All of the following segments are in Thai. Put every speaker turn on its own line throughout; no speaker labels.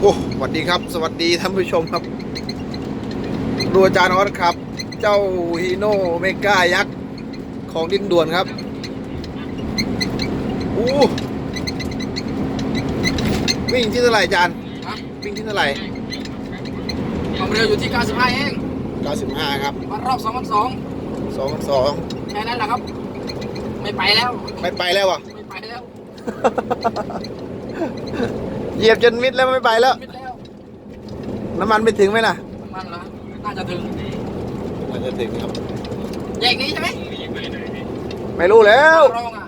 โอ้สวัสดีครับสวัสดีท่านผู้ชมครับดูอาจารย์ออสครับ เจ้าฮีโน่เมกายักษ์ของดินด่วนครับอู้วิ่งที่เท่าไหร่อาจารย์
ฮะ
วิ่งที่เท่าไหร่
ความเร็วอยู่ที่95เอง
95ครับ
วันรอบ2,200
2,200
แค่นั้นแหละครับไม่ไปแล้ว
ไม่ไปแล้วอ่ะ
ไม่ไปแล้ว
เหยียบจนมิดแล้วไม่ไปแล้ว
มิดแล้ว
น้ำมันไปถึงไหมล่ะ
น้ำมันเหรอน่าจะถึง
น่าจะถึงครับ
แยกนี้ใช่ไหม
ไม่รู้แล้ว
รองอ่ะ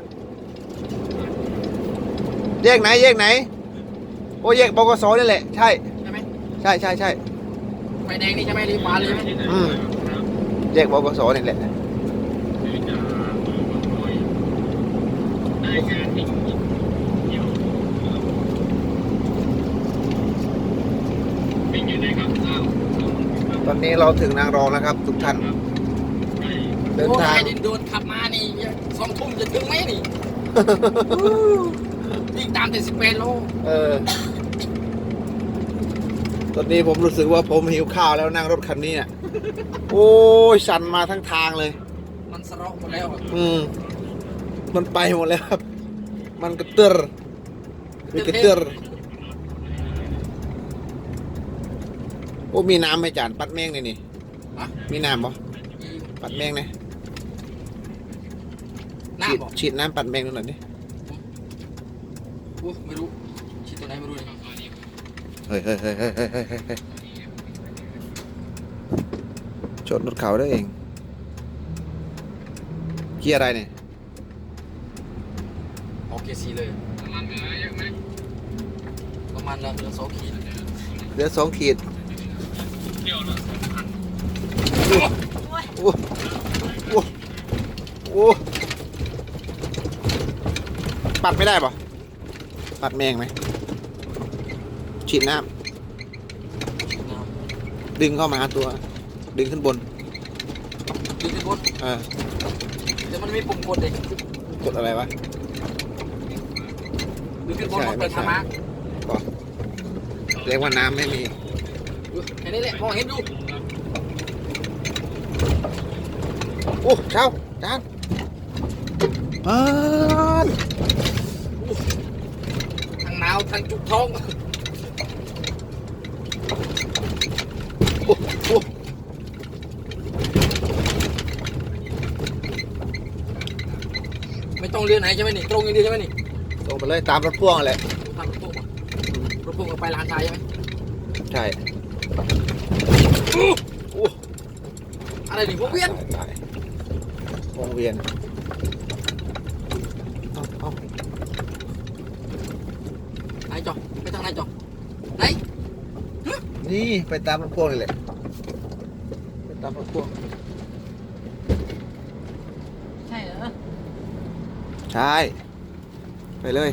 แยกไหนแยกไหนโอ้แยกบกสนี่แหละใช่
ใช่ไหม
ใช่ใช่ใช่
ไฟแดงนี่ใช่ไหมรีบมาเลยใช่ไหม
แยกบกสนี่แหละตอนนี้เราถึงนางรองแล้วครับทุกท่านเดิน
โอ้
ทาง
ยดินโดนขับมานี่2 ทุ่มจะถึงไหมนี่ วิ่งตามแต่18 โล
ตอนนี้ผมรู้สึกว่าผมหิวข้าวแล้วนั่งรถคันนี้อ่ะ โอ้ยสั่นมาทั้งทางเลย
มันสะเราะหมดแล้วอะ
มันไปหมดแล้วครับ มันกระเตื้อมีกระเตื้อโอ้มีน้ำไหมจานปัดแมงนี่นี่
ฮะ
มีน้ำปะปัดแมงนะ
หน้า
ฉีด
บอก
ฉีดน้ำปัดแมงดูหน่อยดิ
โอ้ไม่รู้ชิดตัวไหนไม่รู้เลย
เฮ้ยชนรถเขาได้เองเกียร์อะไรเนี่ย
โอเคซีเลยประมาณละเหลือ2 ขีด
เหลือ2 ขีดโอ้โอ้โอ้ปัดไม่ได้ปะปัดแมงไหมฉีดน้ำดึงเข้ามาหาตัว ดึงขึ้นบน
ดึงขึ้นบน เดี๋ยวมันมีปุ่มกดเด็ก
กดอะไรวะ
ดึงขึ้นบนมันเปิดธรรมะ
ก็เรียกว่าน้ำไม่มี
แค่นี้แหละมองเห็นดู
โอ้เช้าจานอ่าน
ทั้งหนาวทั้งจุกท้อง
โอ้โอ้
ไม่ต้องเรียนไหนใช่ไหมนี่ตรงอย่างเดียวใช่ไหมนี่
ลงไปเลยตามรถพ่วงแหละ
ทางรถพ่วงอะรถพ่วงก็ไปลานชายใช่ไหม
ใช่โอ้
อะไรนี่พวกเวียน
ตาย วงเวียนเอา
ไหนจอไปทางไหนจอไหน
นี่ไปตามรถพ่วงนี่แหละไปตามรถพ่วง
ใช่เหรอ
ใช่ไปเลย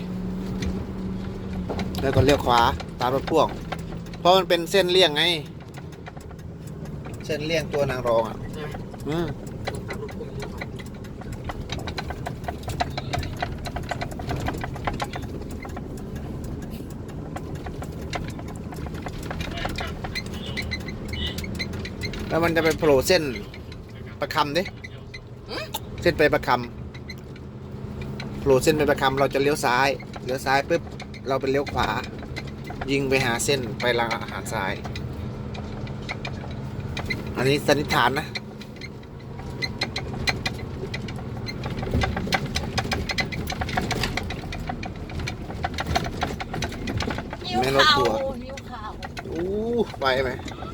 แล้วก็เลี้ยวขวาตามรถพ่วง เพราะมันเป็นเส้นเลี่ยงไง เส้นเลี่ยงตัวนางรองอ่ะ
ใช่ไหม
อืม
ลงตามรถพ่วงอยู่ครับ
แล้วมันจะไปโผล่เส้นประคำดิเส้นไปประคำโผล่เส้นไปประคำเราจะเลี้ยวซ้ายปุ๊บเราไปเลี้ยวขวา ยิงไปหาเส้นไปรางอาหารทราย อันนี้สันนิษฐานนะไม่รถทัวร์
หิวข้าว
อู้ไปไหม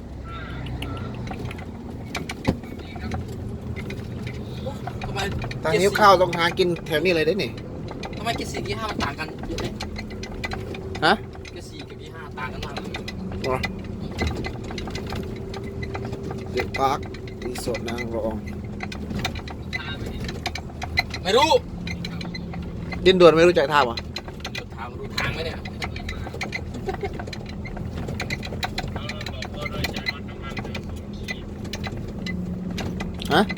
ทำไม
ทางนิ้วข้าวต้องหากินแถวนี้เลยได้นี่
ทำไมเกียร์4เกียร์5มันต่างกันเยอะเลย
ฮะ
เกียร์4กับเกียร์5ต่างกันมากเลย
เด็กพาร์ครีสอร์ทนางรอง
ไม่รู้
ดินด่วนไม่รู้จักทางวะ
ถามรู้ทางไหมเนี่ย
ฮะ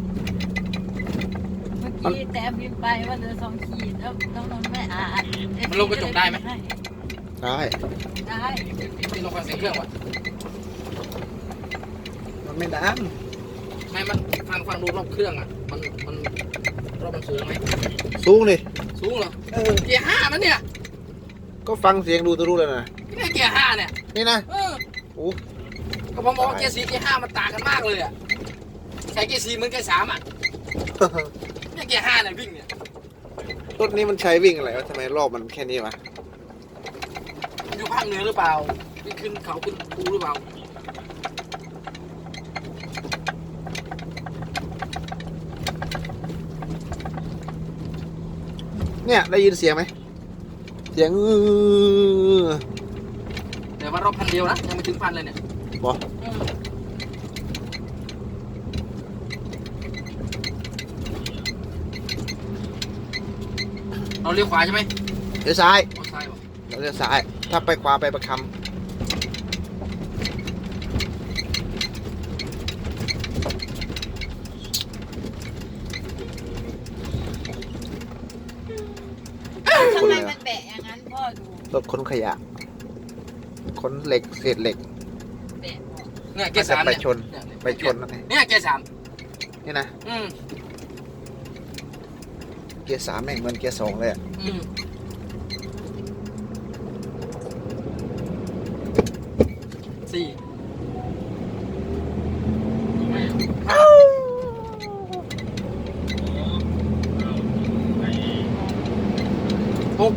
เมื่อกี้แต่พิมพ์ไปว่าเหลือ2 ขีดแล้วน้องนนท์ไม่อ่าน
มันลงกระจกได้ไหม
ได้
ได้
ที่ลงฟังเสียงเครื่องวะ
มันไม่ดัง
ไม่มันฟังดูรอบเครื่องอ่ะมันรอบมันสูงไหม
สูงดิ
สูงเหรอเกียร์5นั่นเนี่ย
ก็ฟังเสียงดูจะรู้เลยนะ
นี่เกียร์5เนี่ย
นี่นะ โอ้
ก็ผมบอกเกียร์4เกียร์5มันต่างกันมากเลยอ่ะใช้เกียร์4เหมือนเกียร์3อ่ะเนี่ยเกียร์5เนี่ยวิ่งเนี่ย
รถนี้มันใช้วิ่งอะไรวะทำไมรอบมันแค่นี้วะ
มันอยู่ภาคเหนือหรือเปล่าวิ่งขึ้นเขาขึ้นภูหรือเปล่า
เนี่ยได้ยินเสียงไหมเสียง
แต่ว่ารอบพันเดียวนะยังไม่ถึงพันเลยเนี่ย
บอก
เราเลี้ยวขวาใช่ไหม
เลี้ยวซ้าย
เอาซ้ายบอก
เราเลี้ยวซ้าย ถ้าไปขวาไปประคำ
ทำไมมันแบะอย่างนั้นพ่อดู
รถขนขยะขนเหล็กเศษเหล็ก
แบะบอก
เนี่ยเกียร์3
ไป
เนี่ย
ชน ไปชนนั่นไง
เนี่ยเกียร์3
นี่นะ
อืม
เกียร์3แม่งเหมือนเกียร์2เลยอะ
อืม4 6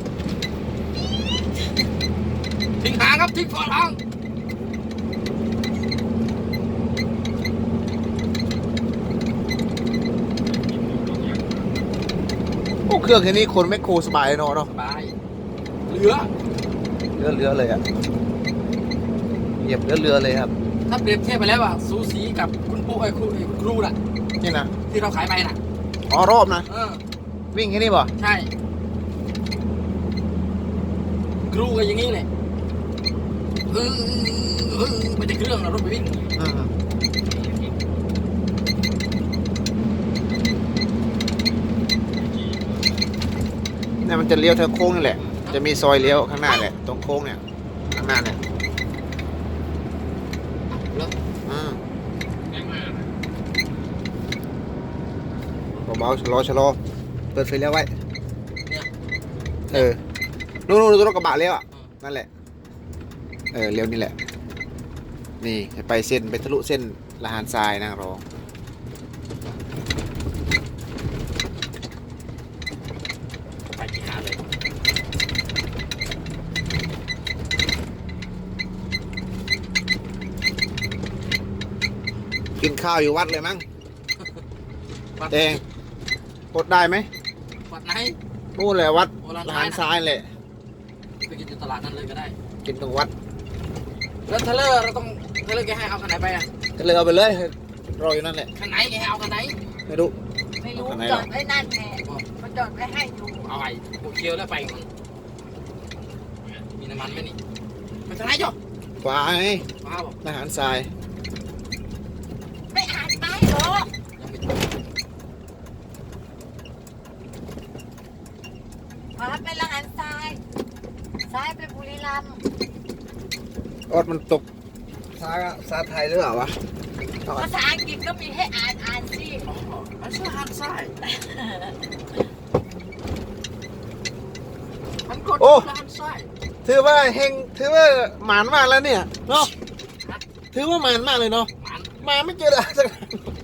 ทิ้งหางครับทิ้งฝาหาง
โอ้เครื่องแค่นี้คนแมคโครสบายเลยเนาะ
สบายเหลือ
เรือเลยอะเหยียบเรือเลยครับ
ถ้าเปรียบเทียบไปแล้วอ่ะสูสีกับคุณปู่ไอ้คุณครูน่ะ
นี่นะ
ที่เราขายไปน่ะ
อ๋อรอบนะ
เออ
วิ่งแค่นี้ป่ะ
ใช่ ครูก็อย่างนี้เลยไม่ได้เครื่องนะรถไปวิ่ง
อืมเนี่ยมันจะเลี้ยวทางโค้งนี่แหละ จะมีซอยเลี้ยวข้างหน้าแหละ ตรงโค้งเนี่ย ข้างหน้าเนี่ย
แล้ว
อืมเบาๆชะลอเปิดไฟเลี้ยวไว้
เนี่ย
เออ นู่นรถกระบะเลี้ยวอ่ะ นั่นแหละ เออเลี้ยวนี่แหละ นี่จะไปเส้นไปทะลุเส้นละหารทรายนางรอง
ไปที่ขาเลย
กินข้าวอยู่วัดเลยมั้งแดงกดได้ไหม
วัดไหน
นู่นแหละวัด
โอลาน
ละ
ท้า
หาย ร
นะ
ทรายแหละ
ไปกินอยู่ตลาดนั้นเลยก็ได้
กินตรงวัด
แล้วเทเลอร์เราต้องเทเลอร์แกให้เอาคันไหนไปอ่ะ
ก็เลยเอาไปเลยรออยู่นั่นแหละ
คันไหนแกให้เอาคันไหน
ไม่รู้
ไม่รู้
เอาไหน
จ
หรอ
อดไว้นั่นแหละมันจอดไว้ให้ดู
เอาไปโอเคียวแล้วไปมันมีน้ำมันไหมนี่ไปทางไหนจ๊ะ
ขวาไง
ว้าบอก
ละหารทราย
ไม่อ่านป้ายหรอก
ยังไม่
ขวาไปละหันซ้าย ซ้ายไปบุรีรัมย์
ออดมันตกซาไทยหรือเปล่าวะ
ภาษาอังกฤษก็มีให้อ่านสิ
อ๋อมันชื่อหันซ้ายมันกดหันซ้าย
ถือว่าเฮงถือว่าหมานมากแล้วเนี่ยเนาะถือว่าหมานมากเลยเนาะ
มัน
มาไม่เจออะไรสัก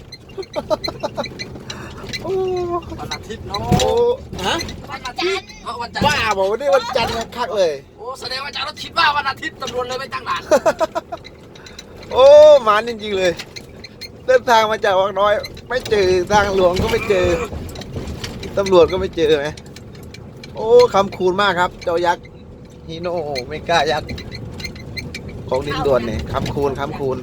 โอ้
วันอาทิตย์เนาะ
โอ้ฮะ
วันจันทร์
วันจันทร์
บ้าบอกว่านี่วันจันทร์คักเลย
โอ้แสดงว่าอาจารย์เราคิดว่าวันอาทิตย์ตำรวจเลยไม่ตั้งด่าน
โอ้หมานจริงๆเลย เดินทางมาจากวังน้อย ไม่เจอทางหลวงก็ไม่เจอตำรวจก็ไม่เจอไหมโอ้คำคูณมากครับ เจ้ายักษ์ฮีโน่เมกายักษ์ของดินด่วนเนี่ยคำคูณ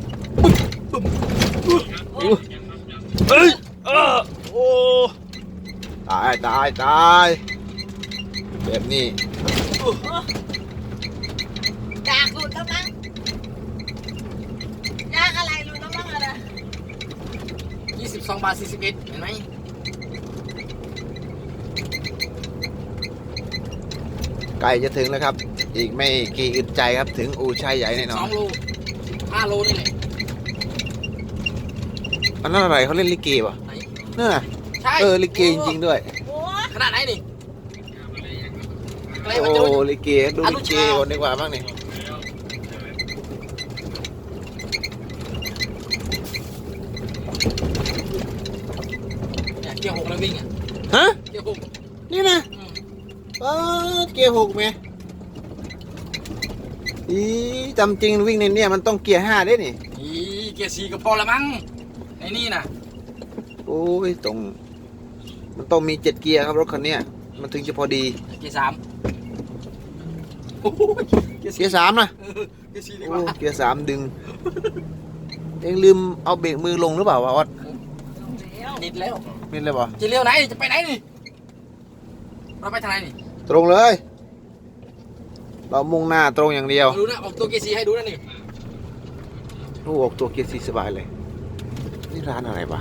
เฮ้ยโอ้ตายแบบนี้
อยากหลุดแล้วมั้งยากอะไรหลุดแล้วมั้งอะไร
22 บาท 41เห็นไหม
ใกล้จะถึงแล้วครับ อีกไม่กี่อึดใจครับถึงอู่ชายใหญ่แน่นอน
2 โล 5 โลนี่แหละ
อันนั้นอะไรเขาเล่นลิเกป่ะ
ไหน
เนี่ย
ใช่
ลิเกจริงๆด้วย
โอ้
ขนาดไหนนี่ไกล
โอ้
มาเจอ
ลิเกดูลิเกก่อนดีกว่าบ้างนี่
เนี่ยเกียร์ 6 แล้ววิ่งอ่ะ
ฮะ
เกียร์ 6
นี่นะเกียร์ 6ไหมอีจำจริงวิ่งในเนี่ยมันต้องเกียร์ 5ได้นี่
อีเกียร์ 4 ก็พอละมั้งไอ้นี่น่ะ
โอ้ยมันต้องมี7เกียร์ครับรถคันเนี้ยมันถึงจะพอดี
เกียร์ 3โอ้โหเกียร์
เกียร์ 3นะ
เกียร์ 4ดีก
โอ้
ว่า
เกียร์ 3ดึงเองลืมเอาเบรกมือลงหรือเปล่าวะวัด
ติดแล้ว
มินเลยป่ะ
จะเลี้ยวไหนจะไปไหนนี่เราไปทางไหนนี่
ตรงเลย เรามุ่งหน้าตรงอย่างเดียว
ดูนะออกตัวเกียร์ 4ให้ดูนะนี่
ลูกออกตัวเกียร์ 4สบายเลยนี่ร้านอะไรวะ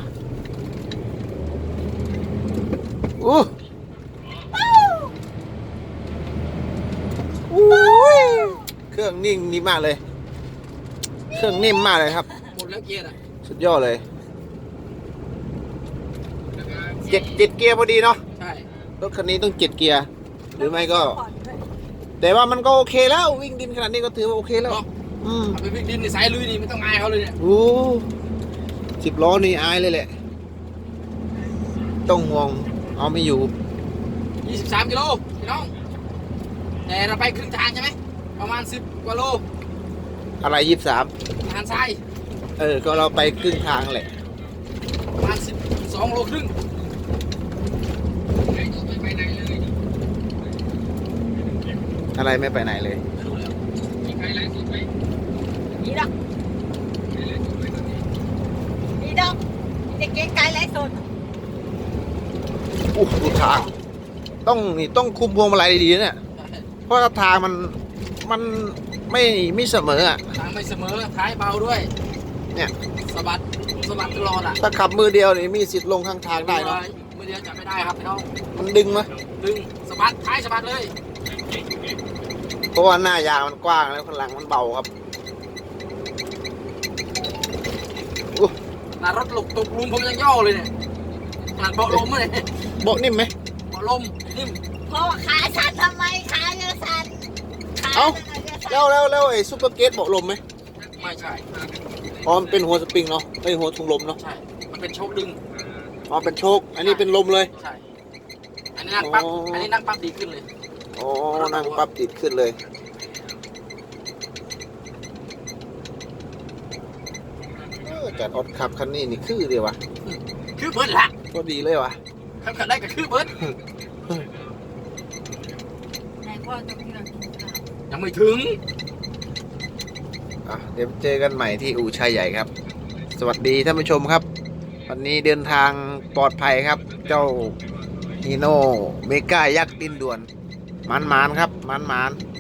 โอ้เครื่องนิ่งดีมากเลย เครื่องนิ่มมากเลยครับ
หมดแล้วเกียร์น่ะ
สุดยอดเลยเจ็ดเกียร์พอดีเนาะ
ใช่
รถคันนี้ต้อง7เกียร์หรือไม่ก็ แต่ว่ามันก็โอเคแล้ววิ่งดินขนาดนี้ก็ถือว่าโอเคแล้ว
เอา
อืม
ไปวิ่งดินในสายลุยนี่ไม่ต้องอายเขาเลยเนี่ย
โอ้10 ล้อนี่อายเลยแหละ ต้องห่วงเอาไม่อยู่
23 กิโลพี่น้องแต่เราไปครึ่งทางใช่ไหมประมาณ10 กว่าโล
อะไร23
ทางซ้าย
ก็เราไปครึ่งทางแหละ
ประมาณ12 โลครึ่ง
อะไรไม่ไปไหนเลย
ไม่รู้แล้ว
นี่ดอกนี่ดอกเด็กเก๋ไก่ไรสด
อู้ดูทางต้องคุมพวงมาลัยดีๆเนี่ยเพราะว่าทางมันไม่เสมออ่ะ
ทางไม่เสมอท้ายเบาด้วย
เนี่ย
สะบัดตลอดอ่ะ
ถ้าขับมือเดียวนี่มีสิทธิ์ลงข้างทางได้เนาะ
มือเดียวจับไม่ได้ครับพี่น้อง
มันดึงไหม
ดึงสะบัดท้ายสะบัดเลย
เพราะว่าหน้ายางมันกว้างแล้วข้างหลังมันเบาครับอู้
หน้ารถตกลุมผมยังย่อเลยเนี่ยขนาดเบาะลมเลย
เบาะนิ่มไหม
เบาะลมนิ่ม
พ่อขาสั่นทำไมขาเยอะสั่นขา
เอ้า
เยอะสั่น
แล้วไอ้ซุปเปอร์เกตเบาะลมไหม
ไม่ใช่
อ๋อมันเป็นหัวสปริงเนาะไอ้หัวถุงลมเนาะ
ใช่ มันเป็นโชคดึง
อ๋อเป็นโชคอันนี้เป็นลมเลย
ใช่ อันนี้นั่งปั๊บ
อ๋ออั
อันนี้นั่งปั๊บดีขึ้นเลย
อ๋อนั่งปั๊บติดขึ้นเลยจัดออดขับคันนี้นี่คือเดียววะ
คือเบิร์ดละ
ก็ดีเลยวะ
ขับได้ก็คือเบิร์ด
ไหนพ่อต้องกินอะไรกินข้าว
ยังไม่ถึง
เดี๋ยวเจอกันใหม่ที่อู่ชายใหญ่ครับ สวัสดีท่านผู้ชมครับ วันนี้เดินทางปลอดภัยครับ เจ้าฮีโน่เมกายักษ์ดินด่วนมันครับมัน